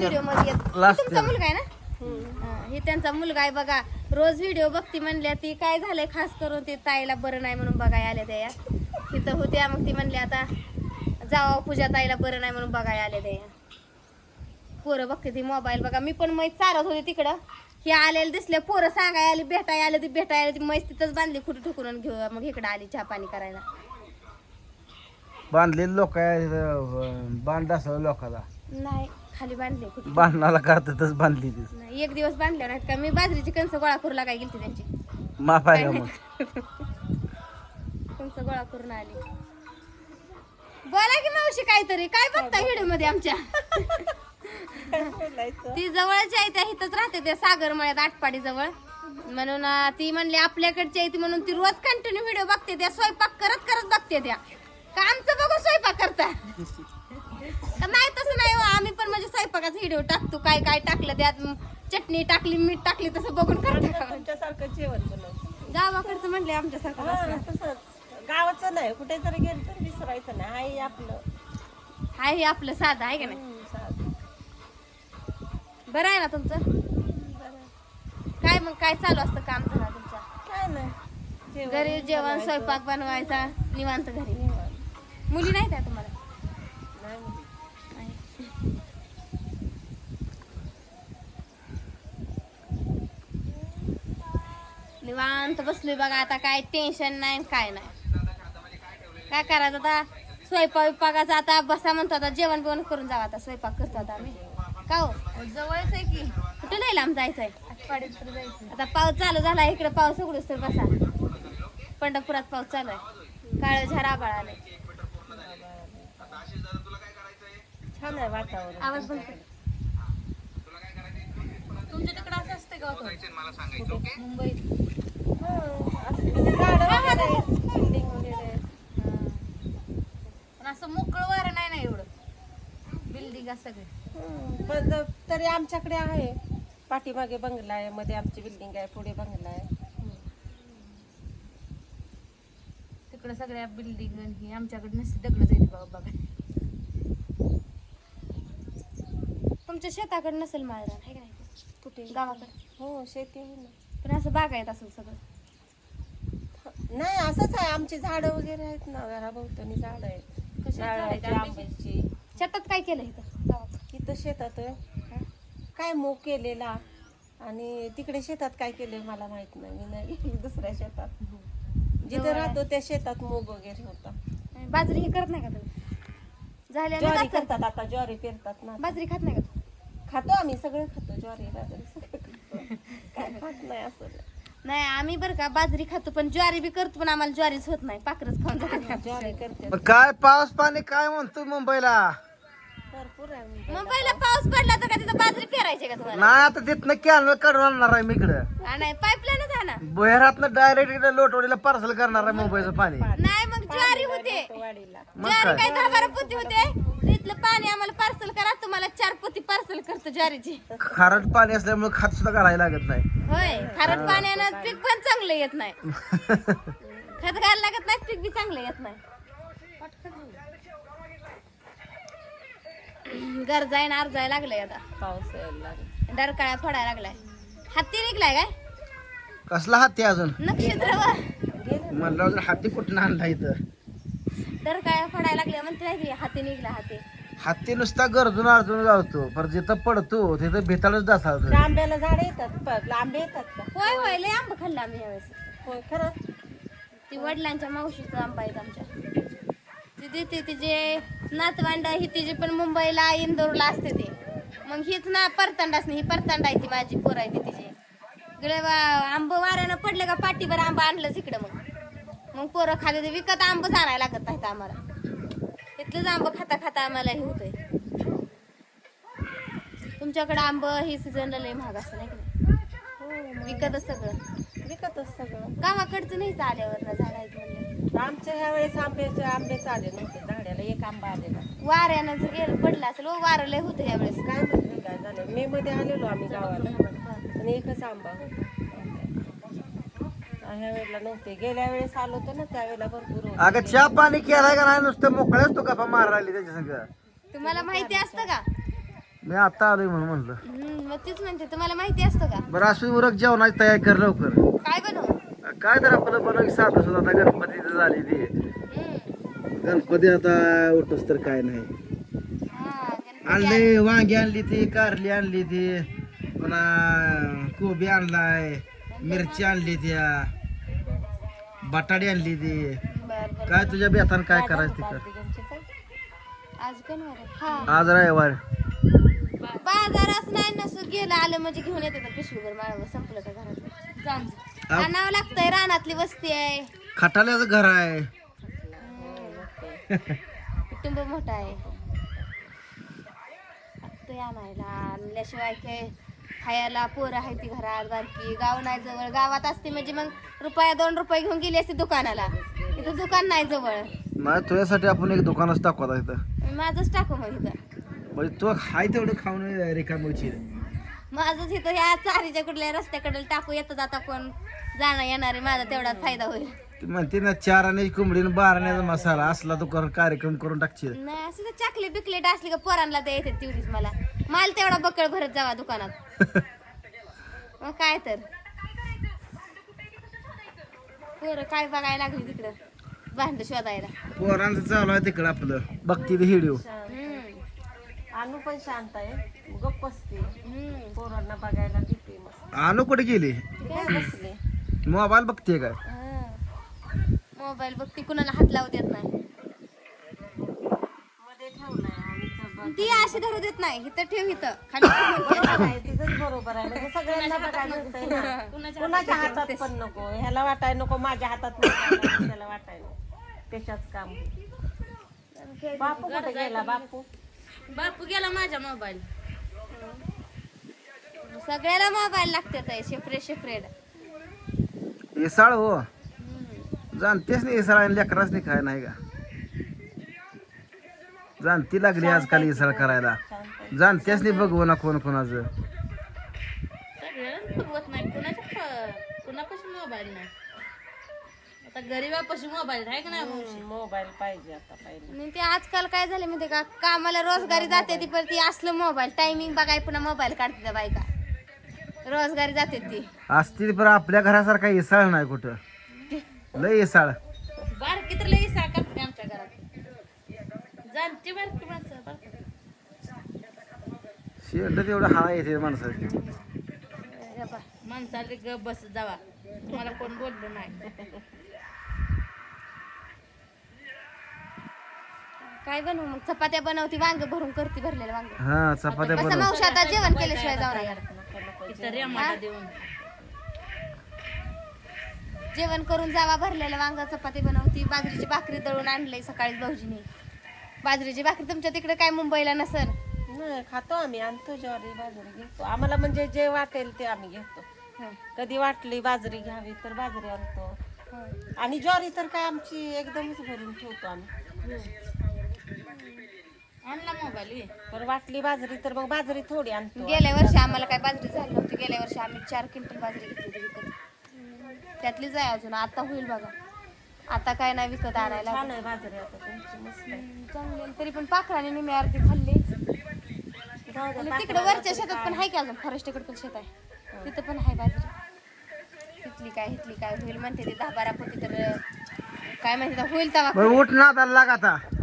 Video मध्ये येत. Last तुमचा मुलगा आहे ना? हे त्यांचा मुलगा आहे बघा. रोज व्हिडिओ बघती म्हणल्या ती. काय झालंय खास करून ते ताईला बरं नाही म्हणून बघायला आल्या त्या. तिथं होत्या मग ती म्हणली आता जावा पूजा ताईला बरं नाही म्हणून बघायला आल्या त्या. पोरं बघते ती मोबाईल बघा. मी पण मैत चालत होते तिकडं. हे आलेले दिसले पोरं सांगाय आली भेटाय आले ती भेटाय आली ती मैस तिथंच बांधली कुठं ठुकरून घेऊ मग इकडं आली चहा पाणी करायला. बांधलेले लोक बांध असं लोकाला नाही खाली बांधले कुठे बांधणाला करतातच बांधली ती. नाही एक दिवस बांधले नाहीत का मी बाजरीची कणस गोळा करू लागाय गेलती त्यांची. माफ आहे का मग? कणस गोळा करून आली. बोला की मावशी काहीतरी काय बघता व्हिडिओ मध्ये आमच्या? ती जवळची आहे त्या इथंच राहते त्या सागर मळ्यात आटपाडी जवळ म्हणून ती म्हणली आपल्याकडची आहे ती म्हणून ती रोज कंटिन्यू व्हिडिओ बघते त्या. स्वयंपाक करत करत बघते त्या. का आमचं बघू स्वयंपाक करता? नाही तसं नाही हो. आम्ही पण म्हणजे स्वयंपाकाचा व्हिडिओ टाकतो. काय काय टाकलं त्यात चटणी टाकली मीठ टाकली तसं बघून करतो. तुमच्यासारखं जेवण बनवतो. गावाकडचं म्हणले आमच्यासारखं तसं गावाचं नाही कुठे जरी गेलं तर विसरायचं नाही. हाय आपलं हाय हे आपलं साधं आहे का नाही? साधं. बरं आहे ना तुमचं? काय मग काय चालू असतं काम धंदा तुमचा? काय नाही घरी जेवण स्वयंपाक बनवायचा निवांत घरी. मुली नाही त्या तुम्हाला? नाही निवांत बसलोय बघा. आता काय टेन्शन नाही काय नाही. काय करायचं आता स्वयंपाकाचं आता बसा म्हणतो आता जेवण बिवण करून जावं. आता स्वयंपाक करतो आता आम्ही. का हो जवळच आहे की कुठं नाही लांब जायचंय? जायचं. आता पाऊस चालू झाला इकडे. पाऊस उघडूस तर बसा. पंढरपुरात पाऊस चालू आहे. काळ झार आभाळ आलंय. छान आहे वातावरण. आवाज बंद कर. तुमच्या तिकडे असं असते का मुंबईत? म्हणजे झाडं वगैरे आहेत, बिल्डिंग वगैरे आहेत. पण असं मोकळं वारं नाही ना एवढं. बिल्डिंग सगळे. पण तरी आमच्याकडे आहे. पाठीमागे बंगला आहे, मध्ये आमची बिल्डिंग आहे, पुढे बंगला आहे. तिकडे सगळ्या बिल्डिंग ही आमच्याकडे नसते दगड जाईल बघा. तुमच्या शेताकडे नसेल माळरान आहे का नाही? कुठे? गावाकडे. हो शेती आहे ना. पण असं बागायत असेल सगळं. नाही असंच आहे. आमची झाडं वगैरे आहेत ना घराभोवतानी झाडं आहेत. नारळाची, आंब्याची. शेतात काय केलं इथं गावाकडे? इथं शेतात आहे. काय मूग केलेला आणि तिकडे शेतात काय केलंय मला माहित नाही. मी नाही गेली दुसऱ्या शेतात. जिथे राहतो त्या शेतात मूग वगैरे होता. बाजरी हे करत नाही का तुम्ही? झाल्या ज्वारी करतात आता. ज्वारी पेरतात ना. बाजरी खात नाही का तू? खातो आम्ही सगळं खातो. ज्वारी बाजरी सगळं खातो. काय खात नाही असं नाही. नाही आम्ही बरं का बाजरी खातो पण ज्वारी बी करतो पण आम्हाला ज्वारीच होत नाही. पाखरच खाऊन जातो. ज्वारी करते मग काय पाऊस पाणी काय म्हणतो मुंबईला? भरपूर आहे. मुंबईला पाऊस पडला तर का तिथं बाजरी पेरायची का तुम्हाला? नाही आता तिथनं कॅनल काढून आणणार आहे मी इकडं. नाही पाईपलाईनच आहे ना. बोहेरातनं डायरेक्ट इकडे लोटवडीला पार्सल करणार आहे मुंबईचं पाणी. नाही मग ज्वारी होते. वाडीला मग ज्वारी काय? काय 10-12 पोती होते. तिथलं पाणी आम्हाला पार्सल करा. तुम्हाला 4 पोती पार्सल करतो ज्वारीची. खारट पाणी असल्यामुळे खात सुद्धा घालायला लागत नाही. होय खारट पाण्यानं पीक पण चांगलं येत नाही. खत घालायला लागत नाही पीक बी चांगलं येत नाही. गरजाय ना अर्जाय लागलंय आता. पाऊस यायला लागला. डरकाळ्या फोडायला लागलाय. हत्ती निघलाय काय? कसला हाती अजून नक्षत्र म्हणलं अजून हाती कुठं आणला इथं? डरकाळ्या फोडायला लागल्या म्हणते की हाती निघला हाती. हाती नुसता गरजून अर्जून जातो पर जिथं पडतो तिथं भेताळच दासावतो. त्या आंब्याला झाड येतात. आंबे येतात का? होय होय लय आंबा खाल्ला आम्ही यावेळेस. होय खरं. ती वडिलांच्या मावशीचा आंबा आहेत आमच्या. ती देते तिचे नातवांड ही तिची पण मुंबईला इंदोरला असते ते. मग हीच ना परतांडाच नाही. ही परतांडा आहे ती माझी पोर आहे ती तिची. इकडे आंब वाऱ्यानं पडले का पाठीभर आंबा आणलंच इकडं. मग पोरं खाते ते विकत आंबच आणायला लागत नाहीत आम्हाला. इथलंच आंब खाता खाता आम्हाला हे होतंय. तुमच्याकडे आंब ही सीझनला लय महाग असतं नाही का? विकतच सगळं. विकतच सगळं. गावाकडचं नाही आल्यावर ना झाड आहेत म्हणलं. आमच्या ह्या वेळेस आंबे आले नव्हते झाडाला. एक आंबा आलेला. वाऱ्यानं जर गेलं पडलं असेल वारं लय होतं यावेळेस. काय माहिती काय झालं. मे मध्ये आलेलो आम्ही गावाला आणि एकच आंबा होता. ह्या वेळेला नव्हते. गेल्या वेळेस आलो होतो ना त्यावेळेला भरपूर होते. अगं चहा पाणी केलाय का नाही? नुसतं मोकळ्याच तो गप्पा मारायला त्याच्या संग. तुम्हाला माहिती असतं का? मी आता आलोय म्हणून म्हणलं. मग तीच म्हणते तुम्हाला माहिती असतं का बरं असू उरक जेवणाची तयारी कर लवकर. काय बनवू काय तर आपलं बनव साधं सुद्धा आता गणपती झाली ती. गणपती आता उठस तर काय नाही. हा गणपती आणले वांगी आणली ती, कारली आणली ती, पुन्हा कोबी आणलाय, मिरची आणली त्या, बटाटी आणली ती. बर बर काय तुझ्या बेतान काय करायचं तिकडं? आज गणवार आहे. हा आज रविवार. बाजारात नाही नसू गेलं आलं म्हणजे घेऊन येते तर पिशवीभर माळव संपलं का घरात आणावं लागतंय. रानातली वस्ती आहे, खटाल्याचं घर आहे. कुटुंब मोठं आहे. ते आणायला आणल्याशिवाय काय खायला पोरं आहे ती घरात बारकी. गाव नाही जवळ. गावात असते म्हणजे मग रुपया 2 रुपये घेऊन गेली असते दुकानाला. इथं दुकान नाही जवळ. नाही तुझ्यासाठी आपण एक दुकानच टाकू आता इथं. माझंच टाकू मग इथं. म्हणजे तो हाय तेवढं खाऊन रिकामची. माझंच इथं ह्या चारीच्या कुठल्या रस्त्याकडे टाकू. येतं जाता कोण जाणं येणारे माझा तेवढाच फायदा होईल. ती म्हणते ना 4 आण्याची कोंबडी आणि 12 आण्याचा मसाला असला तो कार्यक्रम करून टाकशील. नाही असं तर चॉकलेट बिकलेट असली का पोरांना ते येते तेवढीच मला. माल तेवढा बक्कळ भरत जावा दुकानात. मग काय तर पोरं काय बघायला लागली तिकडं भांड शोधायला. पोरांचं चालू आहे तिकडं आपलं बघती व्हिडिओ. आणू पण शांत आहे, गप्प असते. पोरांना बघायला देते मस्त. आणू कुठे गेली? काय बसले मोबाईल बघते काय? मोबाईल बघ ती कुणाला हात लावू देत नाही. मध्ये ठेवलाय आणि ती अशी धरू देत नाही. इथं ठेव इथं खाली ठेव म्हणते. तिथंच बरोबर आहे. म्हणजे सगळ्यांना बघायला मिळतंय ना. कुणाच्या हातात पण नको. ह्याला वाटाय नको माझ्या हातात नाही, त्याला वाटाय नको. त्याच्याच काम. बापू कुठे गेला? बापू गेला माझ्या मोबाईल. सगळ्याला मोबाईल लागतात सेपरेट सेपरेट. इसळ हो जाणतेच नाही इसळ आणि लेकराच नाही काय नाही का? जाणती लागली आजकाल इसळ करायला. जाणतेच नाही बघू ना कोण कोणाचं. सगळ्यांना बघवत नाही. कुणापाशी मोबाईल नाही. आता गरीबापाशी मोबाईल आहे का नाही? मोबाईल पाहिजे आता पाहिजे. आणि ते आजकाल काय झाले माहिती का कामाला रोजगारी जाते ती पण ती असलं मोबाईल टायमिंग बघाय पुन्हा मोबाईल काढते त्या बायका. रोजगारी जाते ती असतील पण आपल्या घरासारखा इसळ नाही कुठं. लय इसळ बारकी तर लई साखर करते आमच्या घरात. जाणते बारकी माणसं बारकी. शेंड तेवढं हा येते माणसाची. हे पहा. माणसाला गप बस जावा, तुम्हाला कोण बोललं नाही. काय बनवू मग चपात्या बनवती वांग भरून करते भरलेलं वांग. हा चपात्या कसं बनव. मावशी आता जेवण केल्याशिवाय जाऊ नका. इथं रेमाला देऊन जेवण करून जावा भरलेलं वांग चपाती बनवती. बाजरीची भाकरी दळून आणलंय सकाळीच भाऊजीने. बाजरीची भाकरी तुमच्या तिकडे काय मुंबईला नसल. नाही खातो आम्ही. आणतो ज्वारी बाजरी घेतो. आम्हाला म्हणजे जे वाटेल ते आम्ही घेतो. कधी वाटली बाजरी घ्यावी तर बाजरी आणतो. आणि ज्वारी तर काय आमची एकदमच भरून ठेवतो आम्ही. आणला मोबाईल. पण वाटली बाजरी तर मग बाजरी थोडी आणतो. गेल्या वर्षी आम्हाला काय बाजरी झाली नव्हती. गेल्या वर्षी आम्ही 4 क्विंटल बाजरी घेतली विकत. त्यातलीच आहे अजून. आता होईल बघा. आता काय नाही विकत आणायला. छान आहे बाजरी आता तुमची मस्त आहे. चांगली आहे. तरी पण पाखराने निम्मी अर्धी खाल्ली. जाऊ दे, आणि तिकडे वरच्या शेतात पण आहे की अजून फॉरेस्टकडे पण शेत आहे. तिथं पण आहे बाजरी. हितली काय होईल म्हणते ते 10-12 पोती तर काय माहिती होईल तेव्हा. बरं उठ ना आता लाग आता.